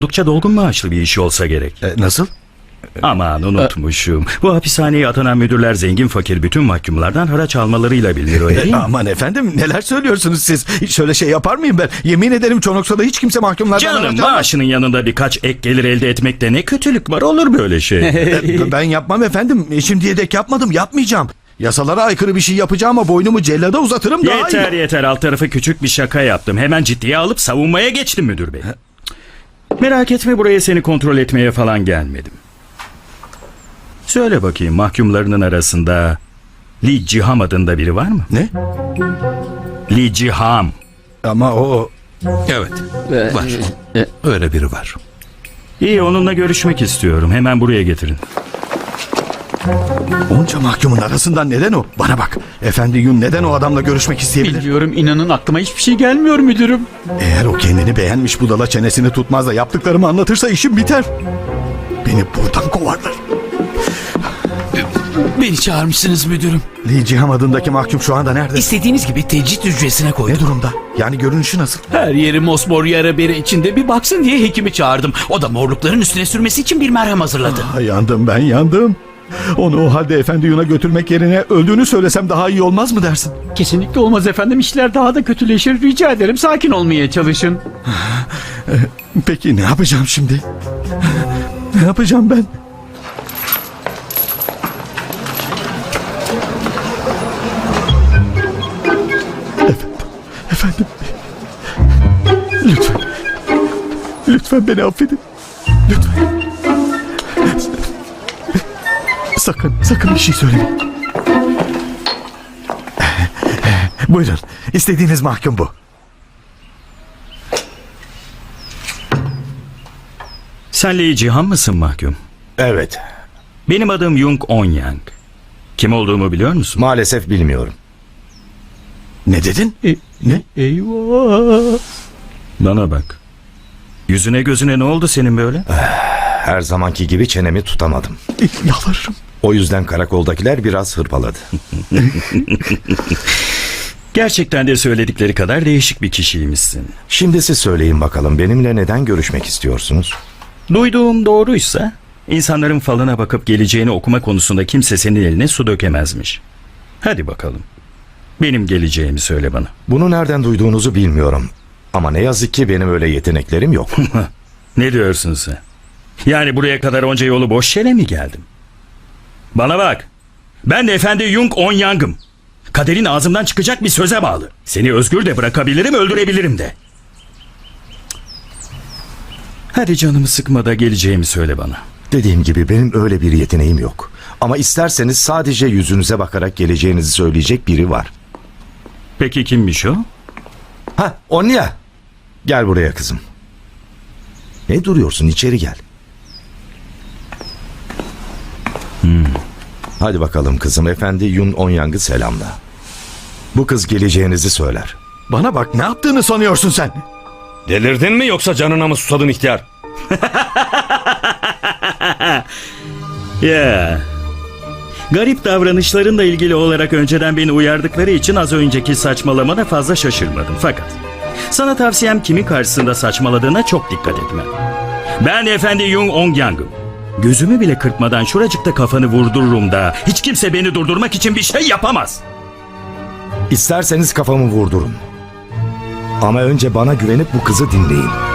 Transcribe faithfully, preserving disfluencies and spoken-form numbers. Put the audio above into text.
oldukça dolgun maaşlı bir iş olsa gerek. E, nasıl? Aman unutmuşum. Bu hapishaneye atanan müdürler zengin fakir bütün mahkumlardan haraç almalarıyla bilinir öyle değil E, mi? aman efendim neler söylüyorsunuz siz? Hiç şöyle şey yapar mıyım ben? Yemin ederim Çonoksa'da hiç kimse mahkumlardan Canım haraç almaz. maaşının yanında birkaç ek gelir elde etmekte ne kötülük var, olur böyle şey. E, ben yapmam efendim. E, Şimdiye dek yapmadım, yapmayacağım. Yasalara aykırı bir şey yapacağım ama boynumu cellada uzatırım daha Yeter iyi. yeter, alt tarafı küçük bir şaka yaptım. Hemen ciddiye alıp savunmaya geçtim müdür bey. Merak etme, buraya seni kontrol etmeye falan gelmedim. Söyle bakayım, mahkumlarının arasında Li Ciham adında biri var mı? Ne? Li Ciham. Ama o... Evet, var. Öyle biri var. İyi, onunla görüşmek istiyorum. Hemen buraya getirin. Onca mahkumun arasından neden o? Bana bak. Efendi Yun neden o adamla görüşmek isteyebilir? Bilmiyorum, inanın aklıma hiçbir şey gelmiyor müdürüm. Eğer o kendini beğenmiş budala çenesini tutmaz da yaptıklarımı anlatırsa işim biter. Beni buradan kovarlar. Beni çağırmışsınız müdürüm. Li Ciham adındaki mahkum şu anda nerede? İstediğiniz gibi tecrit hücresine Ne koydum. durumda? Yani görünüşü nasıl? Her yeri mosmor yara bere içinde, bir baksın diye hekimi çağırdım. O da morlukların üstüne sürmesi için bir merhem hazırladı. Ah, yandım ben yandım. Onu o halde Efendi Yun'a götürmek yerine öldüğünü söylesem daha iyi olmaz mı dersin? Kesinlikle olmaz efendim, işler daha da kötüleşir. Rica ederim, sakin olmaya çalışın. Peki ne yapacağım şimdi? Ne yapacağım ben? Efendim, efendim. Lütfen. Lütfen beni affedin. Lütfen. Sakın, sakın bir şey söylemeyin. Buyurun, istediğiniz mahkum bu. Sen Li Ciham mısın mahkum? Evet. Benim adım Yung Onyang. Kim olduğumu biliyor musun? Maalesef bilmiyorum. Ne dedin? E, Ne? Eyvah. Bana bak. Yüzüne gözüne ne oldu senin böyle? Her zamanki gibi çenemi tutamadım. Yalvarırım. O yüzden karakoldakiler biraz hırpaladı. Gerçekten de söyledikleri kadar değişik bir kişiymişsin. Şimdi siz söyleyin bakalım, benimle neden görüşmek istiyorsunuz? Duyduğum doğruysa insanların falına bakıp geleceğini okuma konusunda kimse senin eline su dökemezmiş. Hadi bakalım. Benim geleceğimi söyle bana. Bunu nereden duyduğunuzu bilmiyorum. Ama ne yazık ki benim öyle yeteneklerim yok. Ne diyorsun sen? Yani buraya kadar onca yolu boş yere mi geldim? Bana bak. Ben de Efendi Yung Onyang'ım. Kaderin ağzımdan çıkacak bir söze bağlı. Seni özgür de bırakabilirim, öldürebilirim de. Hadi canımı sıkma da geleceğimi söyle bana. Dediğim gibi benim öyle bir yeteneğim yok. Ama isterseniz sadece yüzünüze bakarak geleceğinizi söyleyecek biri var. Peki kimmiş o? Ha, Onya. Gel buraya kızım. Ne duruyorsun, içeri gel. Hmm. Hadi bakalım kızım, Efendi Yun Onyang'ı selamla. Bu kız geleceğinizi söyler. Bana bak, ne yaptığını sanıyorsun sen? Delirdin mi yoksa canına mı susadın ihtiyar? Ya. Garip davranışlarınla ilgili olarak önceden beni uyardıkları için az önceki saçmalamana fazla şaşırmadım. Fakat sana tavsiyem kimin karşısında saçmaladığına çok dikkat etme. Ben Efendi Yung Onyang'ım. Gözümü bile kırpmadan şuracıkta kafanı vurdururum da hiç kimse beni durdurmak için bir şey yapamaz. İsterseniz kafamı vurdurun. Ama önce bana güvenip bu kızı dinleyin.